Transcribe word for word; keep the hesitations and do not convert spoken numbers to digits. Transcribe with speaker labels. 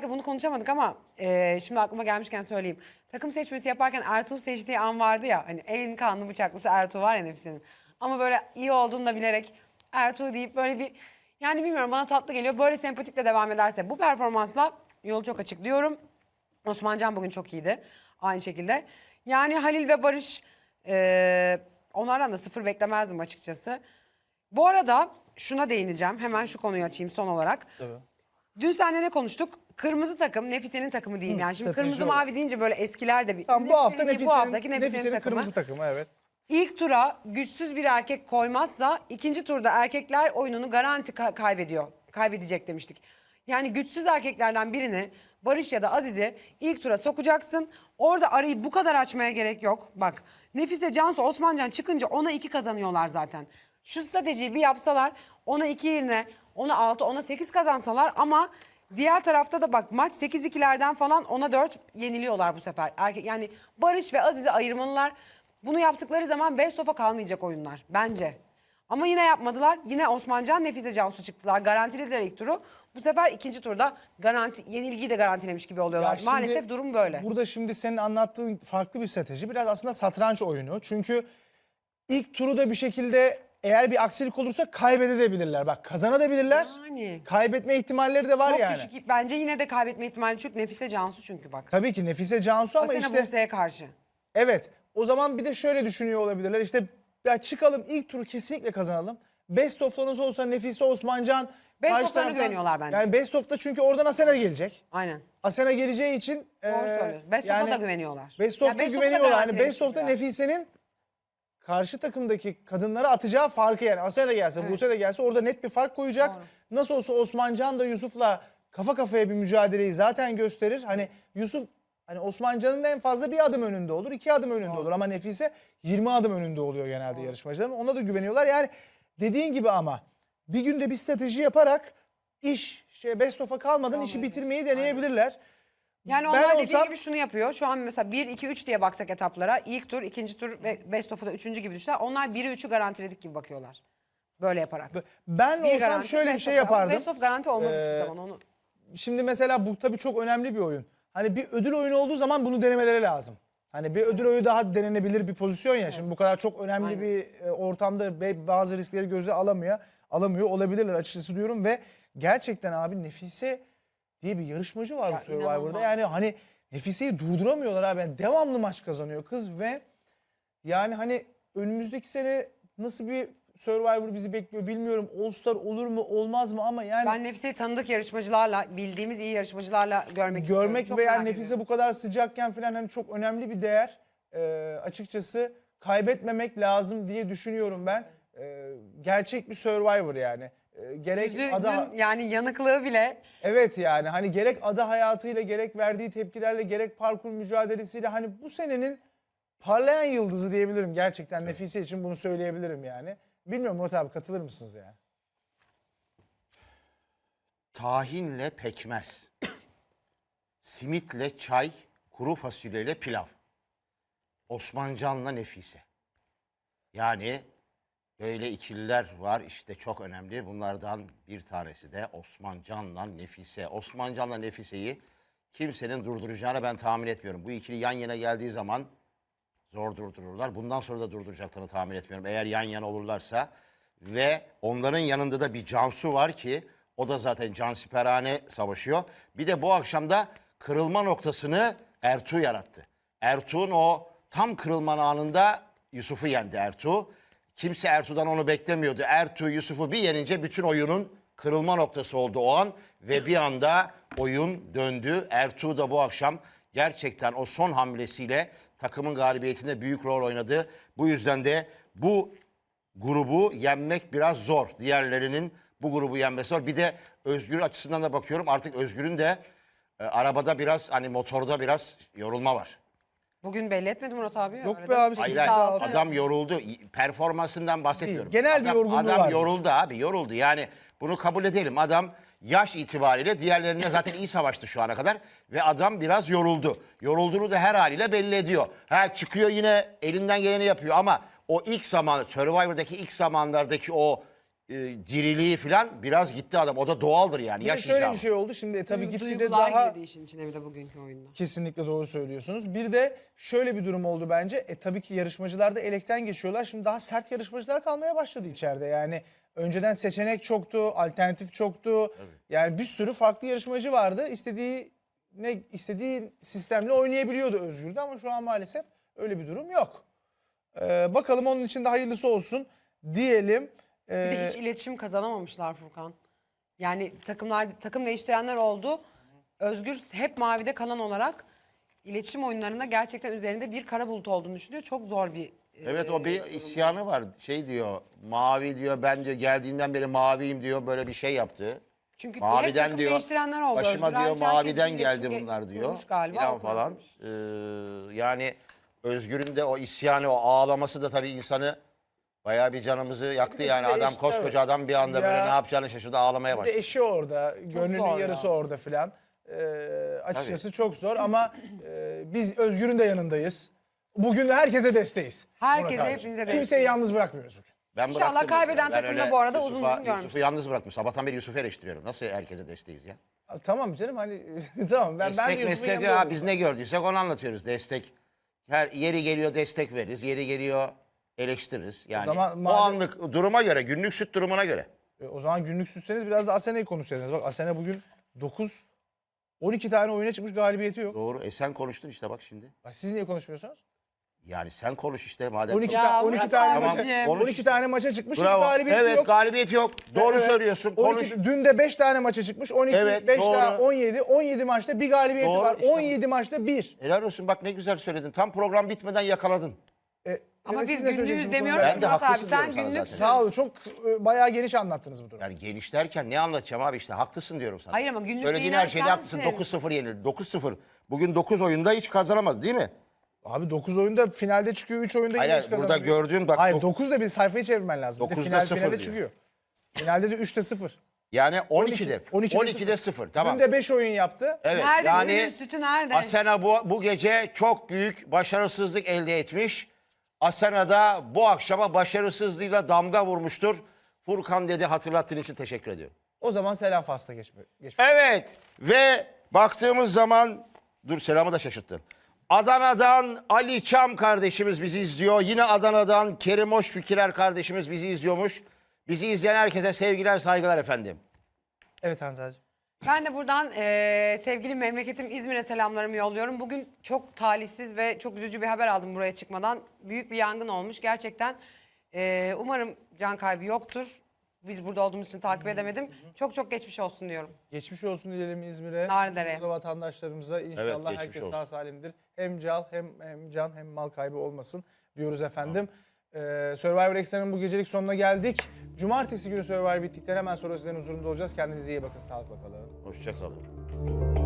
Speaker 1: özellikle bunu konuşamadık ama e, şimdi aklıma gelmişken söyleyeyim. Takım seçmesi yaparken Ertuğ seçtiği an vardı ya. Hani en kanlı bıçaklısı Ertuğ var ya Nefise'nin. Ama böyle iyi olduğunu da bilerek Ertuğ deyip böyle bir... Yani bilmiyorum, bana tatlı geliyor. Böyle sempatikle devam ederse bu performansla yolu çok açık diyorum. Osmancan bugün çok iyiydi. Aynı şekilde. Yani Halil ve Barış, e, onlardan da sıfır beklemezdim açıkçası. Bu arada şuna değineceğim. Hemen şu konuyu açayım son olarak.
Speaker 2: Tabii.
Speaker 1: Dün seninle ne konuştuk? Kırmızı takım, Nefise'nin takımı diyeyim
Speaker 2: Hı,
Speaker 1: yani. Şimdi
Speaker 2: strateji
Speaker 1: kırmızı
Speaker 2: olarak.
Speaker 1: mavi deyince böyle eskiler de bir...
Speaker 2: Tamam, bu hafta
Speaker 1: Nefise'nin değil,
Speaker 2: Nefise'nin,
Speaker 1: bu haftaki Nefise'nin,
Speaker 2: Nefise'nin
Speaker 1: takımı.
Speaker 2: kırmızı takımı, evet.
Speaker 1: İlk tura güçsüz bir erkek koymazsa ikinci turda erkekler oyununu garanti ka- kaybediyor. Kaybedecek demiştik. Yani güçsüz erkeklerden birini, Barış ya da Aziz'i ilk tura sokacaksın. Orada arayı bu kadar açmaya gerek yok. Bak, Nefise, Cansu, Osmancan çıkınca ona iki kazanıyorlar zaten. Şu stratejiyi bir yapsalar, ona iki yerine ona altı, ona sekiz kazansalar, ama diğer tarafta da bak maç sekiz ikilerden falan ona dört yeniliyorlar bu sefer. Erkek, yani Barış ve Aziz'i ayırmalılar. Bunu yaptıkları zaman best of'a kalmayacak oyunlar bence. Ama yine yapmadılar. Yine Osmancan, Nefise, Cansu çıktılar. Garantilediler ilk turu. Bu sefer ikinci turda garanti, yenilgiyi de garantilemiş gibi oluyorlar.
Speaker 2: Ya şimdi
Speaker 1: Maalesef durum böyle.
Speaker 2: Burada şimdi senin anlattığın farklı bir strateji. Biraz aslında satranç oyunu. Çünkü ilk turu da bir şekilde eğer bir aksilik olursa kaybedebilirler. Bak, kazanabilirler.
Speaker 1: Yani.
Speaker 2: Kaybetme ihtimalleri de var
Speaker 1: Çok
Speaker 2: yani.
Speaker 1: düşük. Bence yine de kaybetme ihtimali çünkü Nefise, Cansu çünkü bak.
Speaker 2: Tabii ki Nefise, Cansu ama
Speaker 1: Asena,
Speaker 2: işte...
Speaker 1: Buse'ye karşı.
Speaker 2: Evet. O zaman bir de şöyle düşünüyor olabilirler. İşte ya çıkalım, ilk turu kesinlikle kazanalım. Best of'ta nasıl olsa Nefise, Osmancan...
Speaker 1: Best
Speaker 2: karşı
Speaker 1: of'larına
Speaker 2: taraftan-
Speaker 1: güveniyorlar bence.
Speaker 2: Yani best of'ta çünkü oradan Asena gelecek.
Speaker 1: Aynen.
Speaker 2: Asena geleceği için...
Speaker 1: Doğru
Speaker 2: eee,
Speaker 1: söylüyorsun. Best of'a da güveniyorlar.
Speaker 2: Best
Speaker 1: Ya
Speaker 2: of'ta
Speaker 1: best of'a da
Speaker 2: güveniyorlar. Yani
Speaker 1: garantilemiş
Speaker 2: best of'ta
Speaker 1: gibiler.
Speaker 2: Nefise'nin karşı takımdaki kadınlara atacağı farkı, yani Asena da gelse,
Speaker 1: Evet.
Speaker 2: Buse de gelse orada net bir fark koyacak.
Speaker 1: Doğru.
Speaker 2: Nasıl olsa Osmancan da Yusuf'la kafa kafaya bir mücadeleyi zaten gösterir. Hani Yusuf, hani Osmancan'ın en fazla bir adım önünde olur, iki adım önünde olur. Ama Nefise yirmi adım önünde oluyor genelde yarışmacıların. Ona da güveniyorlar. Yani dediğin gibi ama bir günde bir strateji yaparak iş şey best of'a kalmadan işi bitirmeyi deneyebilirler.
Speaker 1: Yani
Speaker 2: Ben
Speaker 1: onlar dediği
Speaker 2: olsam-
Speaker 1: gibi şunu yapıyor. Şu an mesela bir, iki, üç diye baksak etaplara. İlk tur, ikinci tur ve best of'u da üçüncü gibi düşler. Onlar biri, üçü garantiledik gibi bakıyorlar. Böyle yaparak.
Speaker 2: Ben
Speaker 1: Bir
Speaker 2: olsam
Speaker 1: garanti,
Speaker 2: şöyle bir
Speaker 1: best
Speaker 2: şey
Speaker 1: of. Ama
Speaker 2: yapardım.
Speaker 1: Best of garanti olmaz
Speaker 2: Ee,
Speaker 1: hiçbir zaman onu.
Speaker 2: Şimdi mesela bu tabii çok önemli bir oyun. Hani bir ödül oyunu olduğu zaman bunu denemeleri lazım. Hani bir ödül oyunu daha denenebilir bir pozisyon ya. Şimdi bu kadar çok önemli
Speaker 1: Aynen.
Speaker 2: bir e, ortamda ve bazı riskleri göze alamıyor. Alamıyor olabilirler açıkçası diyorum ve gerçekten abi Nefise diye bir yarışmacı var
Speaker 1: Ya
Speaker 2: bu Survivor'da.
Speaker 1: inanılmaz.
Speaker 2: Yani hani Nefise'yi durduramıyorlar abi. Yani devamlı maç kazanıyor kız ve yani hani önümüzdeki sene nasıl bir Survivor bizi bekliyor bilmiyorum. All Star olur mu olmaz mı ama yani
Speaker 1: Ben Nefise'yi tanıdık yarışmacılarla, bildiğimiz iyi yarışmacılarla görmek istiyorum.
Speaker 2: görmek
Speaker 1: Çok
Speaker 2: ve yani
Speaker 1: merak
Speaker 2: Nefise
Speaker 1: ediyorum.
Speaker 2: bu kadar sıcakken falan hani çok önemli bir değer. Ee, açıkçası kaybetmemek lazım diye düşünüyorum ben. Ee, gerçek bir Survivor yani. Ee, gerek
Speaker 1: Yüzünün
Speaker 2: ada
Speaker 1: yani yanıklığı bile
Speaker 2: evet yani hani gerek ada hayatıyla gerek verdiği tepkilerle gerek parkur mücadelesiyle hani bu senenin parlayan yıldızı diyebilirim gerçekten. Nefise için bunu söyleyebilirim yani. Bilmiyorum Murat abi, katılır mısınız yani?
Speaker 3: Tahinle pekmez, simitle çay, kuru fasulyeyle pilav. Osmancan'la Nefise. Yani böyle ikililer var işte, çok önemli. Bunlardan bir tanesi de Osmancan'la Nefise. Osmancan'la Nefise'yi kimsenin durduracağını ben tahmin etmiyorum. Bu ikili yan yana geldiği zaman zor durdururlar. Bundan sonra da durduracaklarını tahmin etmiyorum. Eğer yan yana olurlarsa. Ve onların yanında da bir Cansu var ki o da zaten cansiperane savaşıyor. Bir de bu akşamda kırılma noktasını Ertuğ yarattı. Ertuğ'un o tam kırılma anında Yusuf'u yendi Ertuğ. Kimse Ertuğ'dan onu beklemiyordu. Ertuğ Yusuf'u bir yenince bütün oyunun kırılma noktası oldu o an. Ve bir anda oyun döndü. Ertuğ da bu akşam gerçekten o son hamlesiyle takımın galibiyetinde büyük rol oynadı. Bu yüzden de bu grubu yenmek biraz zor. Diğerlerinin bu grubu yenmesi zor. Bir de Özgür açısından da bakıyorum. Artık Özgür'ün de e, arabada biraz, hani motorda biraz yorulma var.
Speaker 1: bugün belli etmedi Murat abi.
Speaker 2: Yok
Speaker 1: Arada
Speaker 2: be abi,
Speaker 1: bir
Speaker 2: sekiz
Speaker 3: Hayır,
Speaker 2: daha
Speaker 3: hayır,
Speaker 2: altı.
Speaker 3: adam yoruldu. Performansından bahsetmiyorum.
Speaker 2: Değil, genel bir
Speaker 3: Adam-
Speaker 2: yorgunluğu
Speaker 3: Adam
Speaker 2: var
Speaker 3: yoruldu abi, yoruldu. Yani bunu kabul edelim. Adam yaş itibariyle diğerlerine zaten iyi savaştı şu ana kadar. Ve adam biraz yoruldu. Yorulduğunu da her haliyle belli ediyor. Ha, çıkıyor yine elinden geleni yapıyor ama o ilk zaman, Survivor'daki ilk zamanlardaki o e, diriliği falan biraz gitti adam. O da doğaldır yani.
Speaker 2: Bir de
Speaker 3: Yaş
Speaker 2: şöyle
Speaker 3: icabı.
Speaker 2: bir şey oldu. Şimdi e, tabii
Speaker 1: Duygu-
Speaker 2: gitgide
Speaker 1: duygular
Speaker 2: daha
Speaker 1: girdi işin içine bir de bugünkü oyunda.
Speaker 2: kesinlikle doğru söylüyorsunuz. Bir de şöyle bir durum oldu bence. E tabii ki yarışmacılar da elekten geçiyorlar. Şimdi daha sert yarışmacılar kalmaya başladı içeride. Yani önceden seçenek çoktu, alternatif çoktu. Yani bir sürü farklı yarışmacı vardı. İstediği ne istediği sistemle oynayabiliyordu Özgür'de ama şu an maalesef öyle bir durum yok. Ee, bakalım onun için de hayırlısı olsun diyelim.
Speaker 1: Bir de
Speaker 2: Ee,
Speaker 1: hiç iletişim kazanamamışlar Furkan. Yani takımlar takım değiştirenler oldu. Özgür hep mavide kalan olarak iletişim oyunlarında gerçekten üzerinde bir kara bulut olduğunu düşünüyor. Çok zor bir e,
Speaker 3: Evet o bir isyanı var. Şey diyor, mavi diyor, ben diyor geldiğimden beri maviyim diyor, böyle bir şey yaptı.
Speaker 1: çünkü hep
Speaker 3: Maviden
Speaker 1: takım
Speaker 3: diyor,
Speaker 1: değiştirenler oldu.
Speaker 3: başıma
Speaker 1: Özgür
Speaker 3: diyor
Speaker 1: hariç herkes
Speaker 3: maviden
Speaker 1: bir
Speaker 3: geldi
Speaker 1: iletişim
Speaker 3: bunlar diyor.
Speaker 1: kurmuş galiba,
Speaker 3: Falan
Speaker 1: o
Speaker 3: falan.
Speaker 1: kurmuş.
Speaker 3: Ee, yani Özgür'ün de o isyanı, o ağlaması da tabii insanı bayağı bir canımızı yaktı
Speaker 2: de
Speaker 3: yani.
Speaker 2: şimdi
Speaker 3: Adam
Speaker 2: eş-
Speaker 3: koskoca
Speaker 2: evet.
Speaker 3: adam bir anda böyle
Speaker 2: Ya-
Speaker 3: ne yapacağını şaşırdı, ağlamaya
Speaker 2: Bir de
Speaker 3: başladı.
Speaker 2: eşi orada, gönlünün
Speaker 1: zor
Speaker 2: yarısı
Speaker 1: ya.
Speaker 2: orada filan. Ee, açıkçası çok zor ama e, biz Özgür'ün de yanındayız. Bugün de herkese desteğiz.
Speaker 1: Herkese,
Speaker 2: Murat abiciğim.
Speaker 1: hepinize
Speaker 2: Kimseyi
Speaker 1: desteğiz.
Speaker 2: yalnız bırakmıyoruz bugün.
Speaker 3: Ben
Speaker 1: İnşallah
Speaker 3: bıraktım
Speaker 1: kaybeden
Speaker 3: mesela. Ben
Speaker 1: takımda
Speaker 3: öyle
Speaker 1: bu arada uzun
Speaker 3: Yusuf'a-
Speaker 1: uzun görmüştüm.
Speaker 3: Yusuf'u yalnız bıraktım. Sabahtan beri Yusuf'u eleştiriyorum. Nasıl herkese desteğiz ya?
Speaker 2: Tamam canım hani tamam ben ben de
Speaker 3: Destek
Speaker 2: Yusuf'un
Speaker 3: meslek
Speaker 2: yanında
Speaker 3: ya
Speaker 2: olurum.
Speaker 3: biz ne gördüysek onu anlatıyoruz. Destek. Her yeri geliyor destek veririz. Yeri geliyor eleştiririz. Yani o,
Speaker 2: zaman madem-
Speaker 3: anlık duruma göre, günlük süt durumuna göre.
Speaker 2: E, o zaman günlük sütseniz biraz da Asena'yı konuşsaydınız. Bak Asena bugün dokuz on iki tane oyuna çıkmış, galibiyeti yok.
Speaker 3: Doğru. E sen konuştun işte bak şimdi.
Speaker 2: Bak, siz niye konuşmuyorsunuz?
Speaker 3: Yani sen konuş işte madem.
Speaker 2: on iki,
Speaker 1: Ya
Speaker 2: ta- on iki
Speaker 1: Murat
Speaker 2: tane
Speaker 1: abicim.
Speaker 2: maça,
Speaker 3: Konuş
Speaker 2: on iki
Speaker 3: işte.
Speaker 2: tane maça çıkmış, hiç
Speaker 3: Bravo.
Speaker 2: galibiyeti
Speaker 3: Evet
Speaker 2: yok.
Speaker 3: galibiyet yok. Doğru
Speaker 2: Evet.
Speaker 3: söylüyorsun.
Speaker 2: on
Speaker 3: Konuş.
Speaker 2: iki, dün de beş tane maça çıkmış. on iki,
Speaker 3: Evet,
Speaker 2: beş
Speaker 3: doğru.
Speaker 2: daha on yedi. on yedi maçta bir galibiyeti
Speaker 3: Doğru,
Speaker 2: var.
Speaker 3: işte.
Speaker 2: on yedi maçta bir.
Speaker 3: Helal olsun bak ne güzel söyledin. Tam program bitmeden yakaladın.
Speaker 2: E,
Speaker 1: Ama
Speaker 2: evet,
Speaker 1: biz
Speaker 2: siz ne
Speaker 1: günlüğüz
Speaker 2: söyleyeceksiniz bu
Speaker 1: demiyoruz
Speaker 2: konuda?
Speaker 3: Ben de
Speaker 1: Murat abi.
Speaker 3: haklısın
Speaker 1: Sen
Speaker 3: diyorum sana
Speaker 1: günlük
Speaker 3: zaten.
Speaker 2: Sağ olun, çok e, bayağı geniş anlattınız bu durumu.
Speaker 3: Yani geniş derken ne anlatacağım abi işte haklısın diyorum sana.
Speaker 1: Hayır ama günlük
Speaker 3: Söylediğin
Speaker 1: değinen
Speaker 3: her şeyde haklısın.
Speaker 1: sensin.
Speaker 3: dokuz sıfır yenildi. dokuz sıfır. Bugün dokuz oyunda hiç kazanamadı değil mi?
Speaker 2: Abi dokuz oyunda finalde çıkıyor, üç oyunda yine
Speaker 3: Hayır,
Speaker 2: hiç
Speaker 3: burada
Speaker 2: kazanamıyor.
Speaker 3: gördüğün bak-
Speaker 2: Hayır
Speaker 3: dok-
Speaker 2: dokuz da bir sayfayı çevirmen lazım. Bir de
Speaker 3: dokuzda
Speaker 2: final,
Speaker 3: sıfır
Speaker 2: finalde
Speaker 3: diyor.
Speaker 2: çıkıyor. Finalde de üçte sıfır.
Speaker 3: Yani on ikide.
Speaker 2: on ikide,
Speaker 3: on ikide sıfır. Tamam.
Speaker 2: Dün de beş oyun yaptı.
Speaker 3: Evet.
Speaker 1: Nerede
Speaker 3: yani
Speaker 1: günün sütü nerede?
Speaker 3: Asena bu, bu gece çok büyük başarısızlık elde etmiş. Asena da bu akşama başarısızlığıyla damga vurmuştur. Furkan dedi hatırlattığın için teşekkür ediyorum.
Speaker 2: O zaman selam fasla geçme. geçme.
Speaker 3: Evet ve baktığımız zaman dur selamı da şaşırttın. Adana'dan Ali Çam kardeşimiz bizi izliyor. Yine Adana'dan Kerim Hoşfikirer kardeşimiz bizi izliyormuş. Bizi izleyen herkese sevgiler saygılar efendim.
Speaker 2: Evet Hanzacığım.
Speaker 1: Ben de buradan eee, sevgili memleketim İzmir'e selamlarımı yolluyorum. Bugün çok talihsiz ve çok üzücü bir haber aldım buraya çıkmadan. Büyük bir yangın olmuş. Gerçekten eee, umarım can kaybı yoktur. Biz burada olduğumuz için takip edemedim. Çok çok geçmiş olsun diyorum.
Speaker 2: Geçmiş olsun diyelim İzmir'e.
Speaker 1: Nardere'ye.
Speaker 2: Burada vatandaşlarımıza inşallah
Speaker 3: geçmiş
Speaker 2: herkes
Speaker 3: olsun.
Speaker 2: sağ salimdir. Hem can hem, hem can hem mal kaybı olmasın diyoruz efendim. Ee, Survivor Extra'nın bu gecelik sonuna geldik. Cumartesi günü Survivor bittikten hemen sonra sizlerin huzurunda olacağız. Kendinize iyi bakın. Sağlıkla kalın.
Speaker 3: Hoşça kalın.